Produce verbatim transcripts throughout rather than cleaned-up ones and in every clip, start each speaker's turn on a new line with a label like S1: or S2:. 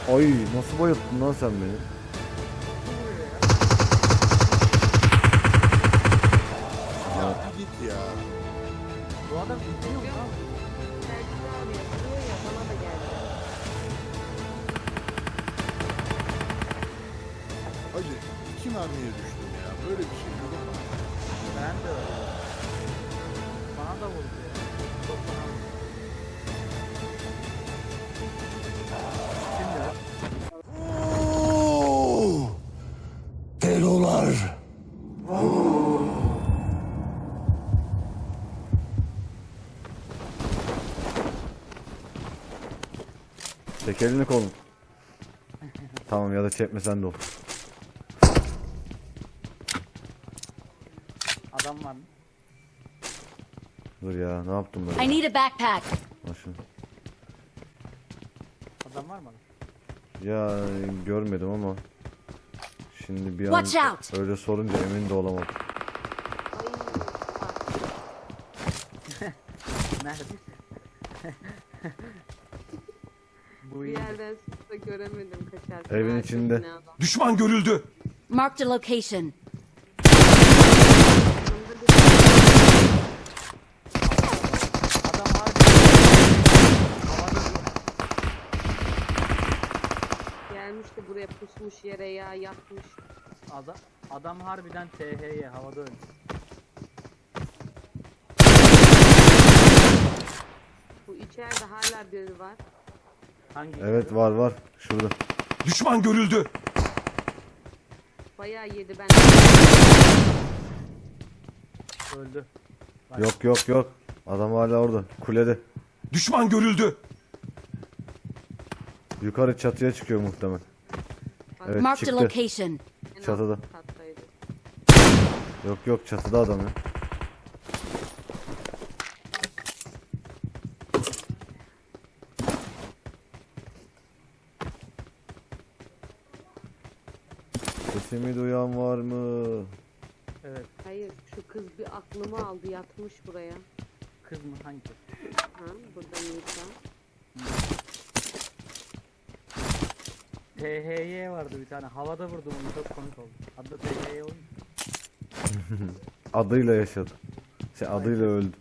S1: Ay nasıl bayılttın lan sen beni?
S2: Ya bir git ya.
S3: Bu adam izliyor mu lan?
S4: Selçuk abi yapıyor ya, bana da geldi.
S2: Hacı iki mermiye düştüm ya. Böyle bir şey yok ama.
S3: Ben de öyle. Bana da vurdu ya. Çok bana vurdu. Şimdi
S5: Delolar.
S1: Çek elini kolunu. Tamam ya da çekmesen de olur.
S3: adam var mı?
S1: Dur ya ne yaptım
S6: I
S1: ben?
S6: need a backpack.
S1: Al şunu.
S3: Adam var mı?
S1: Ya görmedim ama şimdi bir
S6: Watch
S1: an
S6: out.
S1: öyle sorunca emin de olamadım.
S4: Ay,
S3: Nerede? Bu
S4: bir
S3: iyi.
S4: yerden sıkta göremedim kaçarken.
S1: Evin
S4: Arka
S1: içinde.
S4: binada.
S5: Düşman görüldü.
S6: Marked a location.
S3: Adam harbi. Havada
S4: Gelmiş de buraya pusmuş yere ya, yatmış.
S3: adam, adam harbiden T H Y havada öldü.
S4: Bu içeride hala biri var.
S3: Hangi?
S1: Evet var var şurada.
S5: Düşman görüldü.
S4: Bayağı yedi ben.
S3: Öldü.
S1: Yok yok yok. Adam hala orada. Kulede.
S5: Düşman görüldü.
S1: Yukarı çatıya çıkıyor muhtemelen. Evet
S6: Marked a
S1: çıktı.
S6: location.
S4: En
S1: çatıda.
S4: alt kattaydı.
S1: Yok yok çatıda adam ya. Sesimi duyan var mı?
S3: Evet.
S4: Hayır, şu kız bir aklımı aldı, yatmış buraya.
S3: Kız mı? Hangi kız?
S4: Ha, burada Nisa.
S3: T H Y vardı bir tane. Havada vurdum onu, çok komik oldu. Adı T H Y oyun.
S1: Adıyla yaşadı. Şey adıyla öldü.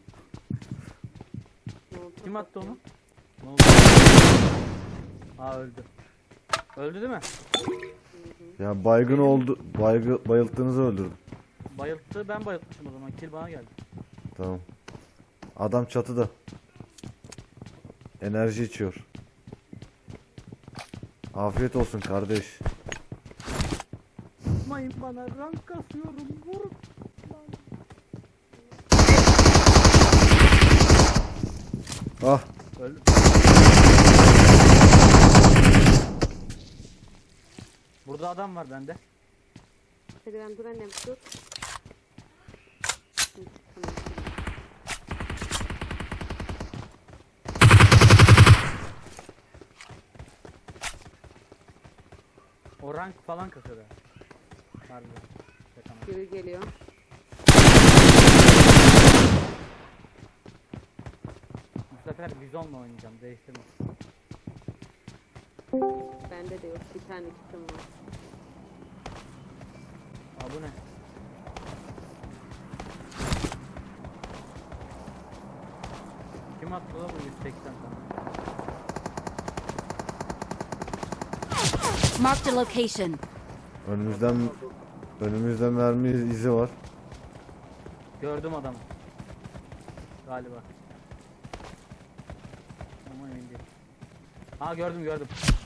S4: Ne oldu?
S3: Kim attı onu? Ne oldu? Aa öldü. Öldü değil mi?
S1: Ya baygın oldu. Baygı, bayılttığınızı öldürdüm.
S3: Bayılttı, ben bayıltmışım o zaman. Kill bana geldi.
S1: Tamam. Adam çatıda. Enerji içiyor. Afiyet olsun kardeş.
S3: Mayın bana, rank kasıyorum. Vurun.
S1: Ah.
S3: Öldü. Burada adam var bende.
S4: Hadi ben dur annem, dur. Hı, tamam.
S3: O rank falan kasıyor da. Harbiden. Şaka mı?
S4: Biri geliyor.
S3: Bu sefer bizonla oynayacağım. Değiştirme.
S4: Bende de yok, bir tane kitim var.
S3: Aa bu ne? Kim attı la bu yüz seksen tane?
S6: Marked a location.
S1: Önümüzden önümüzde mermi izi var.
S3: Gördüm adamı. Galiba. Ama emin değilim. Ha gördüm gördüm.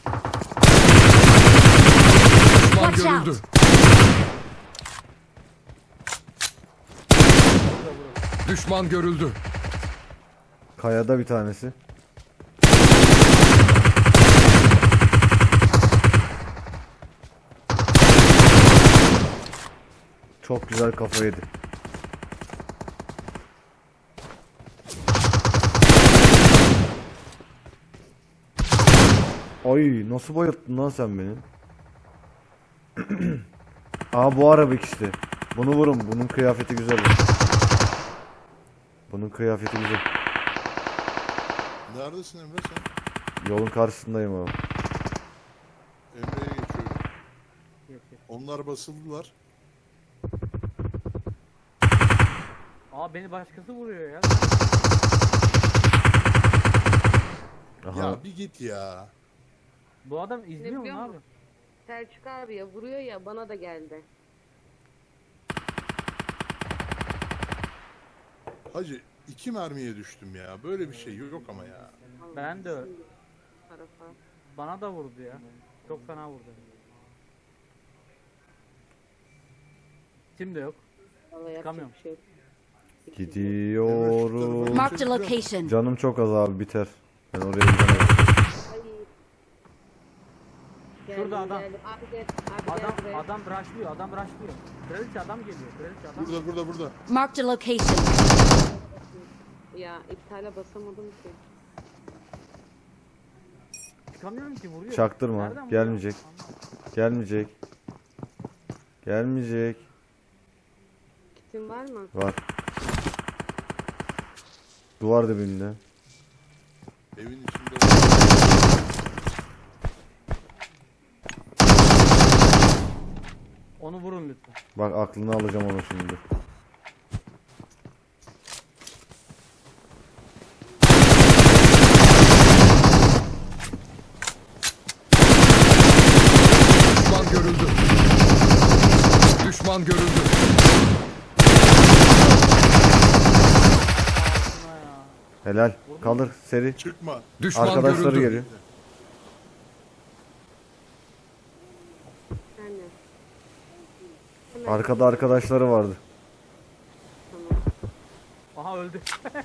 S5: Düşman
S6: Watch out.
S5: görüldü.
S3: Burada burada.
S5: Düşman görüldü.
S1: Kayada bir tanesi. Çok güzel kafa yedi. Ay nasıl bayılttın lan sen beni? Aa bu arabik işte. Bunu vurun. Bunun kıyafeti güzel. Bunun kıyafeti güzel.
S2: Neredesin Emre sen?
S1: Yolun karşısındayım abi.
S3: Geç geç.
S2: Onlar basıldılar.
S3: Aa beni başkası vuruyor ya.
S1: Aha.
S2: Ya bir git ya.
S3: Bu adam izliyor mu
S4: biliyor
S3: abi?
S4: musun? Selçuk abi ya vuruyor ya bana da geldi.
S2: Hacı iki mermiye düştüm ya. Böyle bir şey yok ama ya.
S3: Ben de öyle.
S4: Tarafa.
S3: Bana da vurdu ya. Çok fena vurdu. Tim de yok.
S4: Vallahi yapacak
S3: Çıkamıyorum.
S4: bir şey yok.
S1: Gidiyorum.
S6: Marked a location.
S1: Canım çok az abi, biter. Ben oraya gidemem.
S4: Ay.
S3: Şurada
S4: Geldim,
S3: adam.
S4: geldim. Abi gel. Abi
S3: Adam
S4: gel buraya.
S3: adam rushlıyor. Adam rushlıyor. Kraliçe adam geliyor. Kraliçe adam.
S2: Burada burada burada.
S6: Marked a location.
S4: Ya iptale basamadım ki.
S3: Çıkamıyorum ki vuruyor.
S1: Çaktırma,
S3: Nereden vuruyor?
S1: gelmeyecek.
S3: Anlamadım.
S1: Gelmeyecek. Gelmeyecek.
S4: Kitin var mı?
S1: Var. Duvar dibinde.
S2: Evin içinde.
S3: Onu vurun lütfen.
S1: Bak aklını alacağım onu şimdi.
S5: Düşman görüldü. Düşman görüldü.
S3: Buna ya.
S1: Helal. Kaldır seri.
S2: Çıkma.
S5: Düşman
S1: Arkadaşları
S5: görüldü.
S1: geliyor.
S4: Sen ne? Hemen
S1: Arkada arkadaşları vardı.
S4: tamam.
S3: Aha öldü.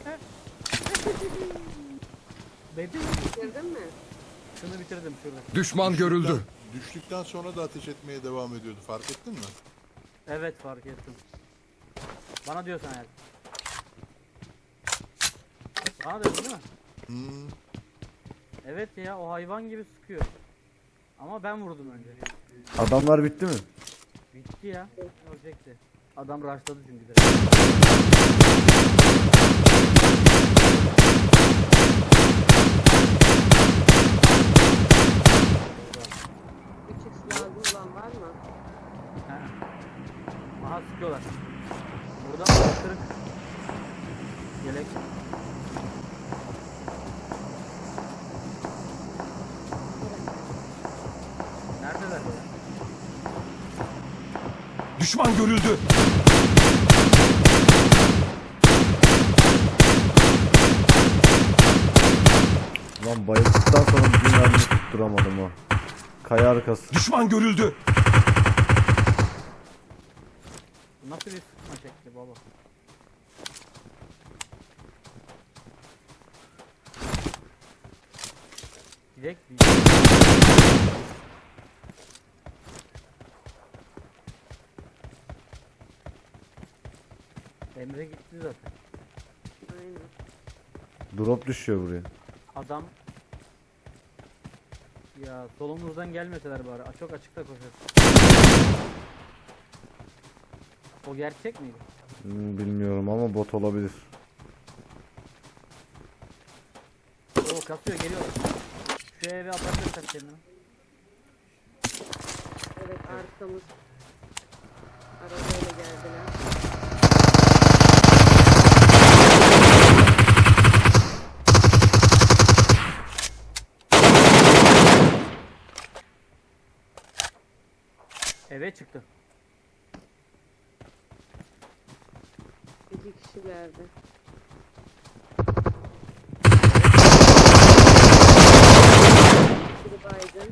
S3: Bedi.
S4: Bitirdin mi?
S3: Şunu bitirdim şurada.
S5: Düşman görüldü.
S2: Düştükten sonra da ateş etmeye devam ediyordu. Fark ettin mi?
S3: Evet fark ettim. Bana diyorsan eğer. Bana dedin değil mi?
S2: Hmm.
S3: Evet ya o hayvan gibi sıkıyor. Ama ben vurdum önce.
S1: Adamlar bitti mi?
S3: Bitti ya. Ölecekti. Adam rushladı çünkü de.
S4: üç x lazım olan var mı?
S3: He. Aha sıkıyorlar. Burada kırık. Yelek. Neredeler böyle?
S5: Düşman görüldü.
S1: Lan bayıldıktan sonra bir mermi tutturamadım ha. Kaya arkası.
S5: Düşman görüldü.
S3: Bu nasıl bir sıkma şekli baba? Gidek bir. Emre gitti zaten.
S4: Aynen.
S1: Drop düşüyor buraya.
S3: Adam ya solumuzdan gelmeseler bari. A- Çok açıkta koşar. O gerçek miydi?
S1: Hmm, bilmiyorum ama bot olabilir.
S3: Oo kasıyor geliyor. Şu eve atabilirsen kendini.
S4: Evet arkamız. Arabayla geldiler.
S3: Eve çıktı.
S4: İki kişilerdi. Biri baygın.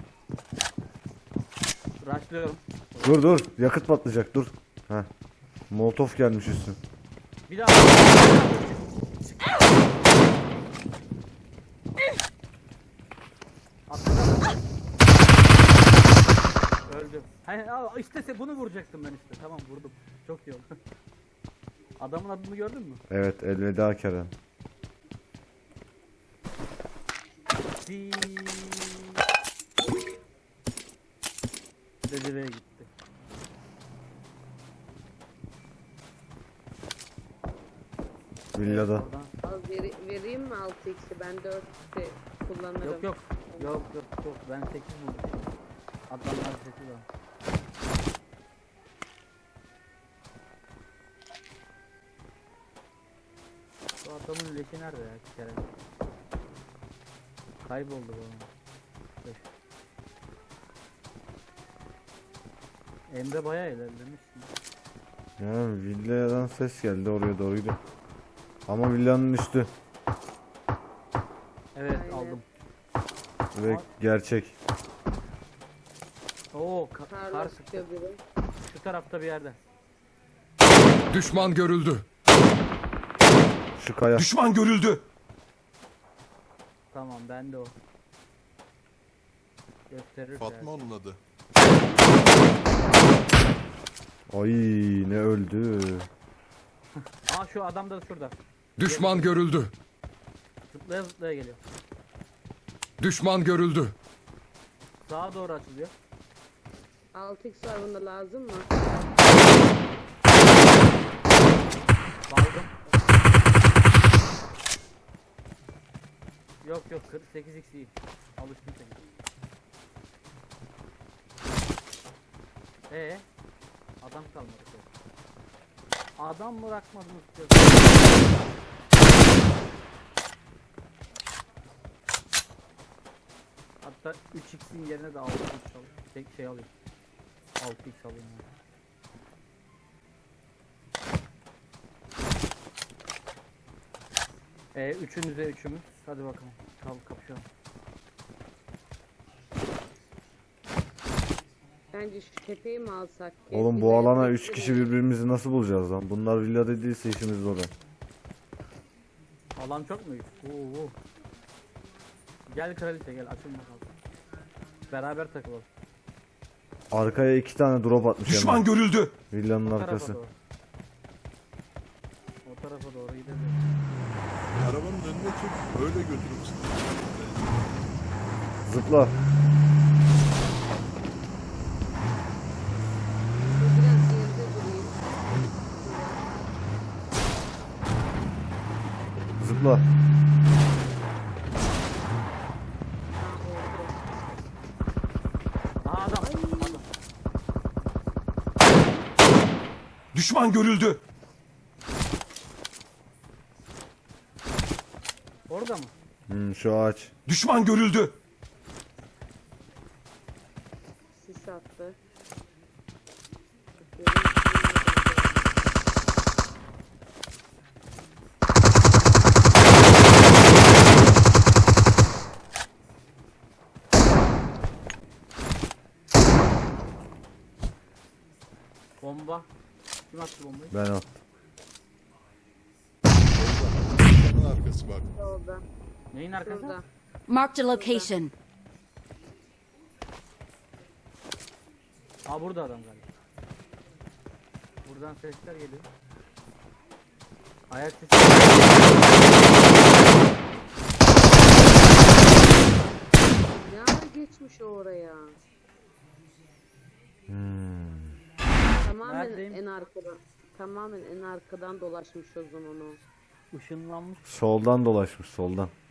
S3: Rushlıyorum.
S1: Dur dur, yakıt patlayacak, dur. Heh. Molotof gelmiş üstüne.
S3: Bir daha. Atladım. Öldüm. Hayır, al, işte se- bunu vuracaktım ben işte. Tamam vurdum. Çok iyi oldu. Adamın adını gördün mü?
S1: Evet, elveda Kerem.
S3: Di. Dedi ve gitti.
S1: Villada.
S3: Oradan-
S4: Al veri, vereyim mi altı x'i? Ben dört x'i kullanırım.
S3: Yok yok. Yok yok yok. Ben sekiz buldum. Adamlar sekiz var. Bu adamın leşi nerede ya Kerem? Kayboldu bu adam. Dur. Emre bayağı ilerlemiş.
S1: Ya villadan ses geldi, oraya doğru gidiyor. Ama villanın üstü
S3: Evet
S4: Aynen.
S3: aldım.
S1: ve gerçek.
S3: Oo ka
S4: Karla
S3: kar sıktı.
S4: sıkıyor biri.
S3: Şu tarafta bir yerde.
S5: Düşman görüldü.
S1: Şu kaya.
S5: Düşman görüldü.
S3: Tamam bende o. Gösterir
S2: Fatma
S3: yani.
S2: onun adı.
S1: Ay ne öldü.
S3: Aa şu adam da şurada.
S5: Düşman görüldü.
S3: Zıplaya zıplaya geliyor.
S5: Düşman görüldü.
S3: Sağa doğru açılıyor.
S4: altı x var, bunda lazım mı?
S3: Baldım. Yok yok kırk sekiz x iyi. Alıştım seni. Ee, adam kalmadı. Adam bırakmadınız diyor. Hatta üç x'in yerine de altı x alayım. Tek şey alayım. altı x alayım. Yani. Ee, üçünüze üçümüz. Hadi bakalım. Kal kapışalım.
S4: Bence şu tepeyi mi alsak ki?
S1: Oğlum
S4: Bir
S1: bu
S4: de
S1: alana
S4: bir
S1: üç
S4: sürü-
S1: kişi birbirimizi nasıl bulacağız lan? Bunlar villa dediyse işimiz zor. ha.
S3: Alan çok mu büyük? Oo, oo. Gel kraliçe gel açın bakalım. Beraber takılalım.
S1: Arkaya iki tane drop atmış
S5: Düşman
S1: hemen.
S5: görüldü.
S1: Villanın
S3: O tarafa
S1: arkası.
S3: doğru. O tarafa doğru gidelim.
S2: Arabanın önüne çık. Öyle götürüp sıkı.
S1: Zıpla.
S4: Biraz geride durayım.
S1: Zıpla.
S4: Ha, oldu.
S3: Aha adam. Adam.
S5: Düşman görüldü.
S3: Orada mı?
S1: Hmm, şu ağaç.
S5: Düşman görüldü.
S4: Sis attı.
S3: Bomba. Kim attı bombayı?
S1: Ben attım.
S2: Onun arkası bak.
S4: Orada.
S3: Neyin arkası?
S4: Şurada.
S6: Marked a location.
S3: Aa burada adam galiba. Buradan sesler geliyor. Ayak sesi.
S4: Ne ara geçmiş o oraya?
S1: Hmm.
S4: Tamamen
S3: Neredeyim?
S4: en arkadan. Tamamen en arkadan dolaşmış o zaman o.
S3: Işınlanmış.
S1: Soldan dolaşmış soldan.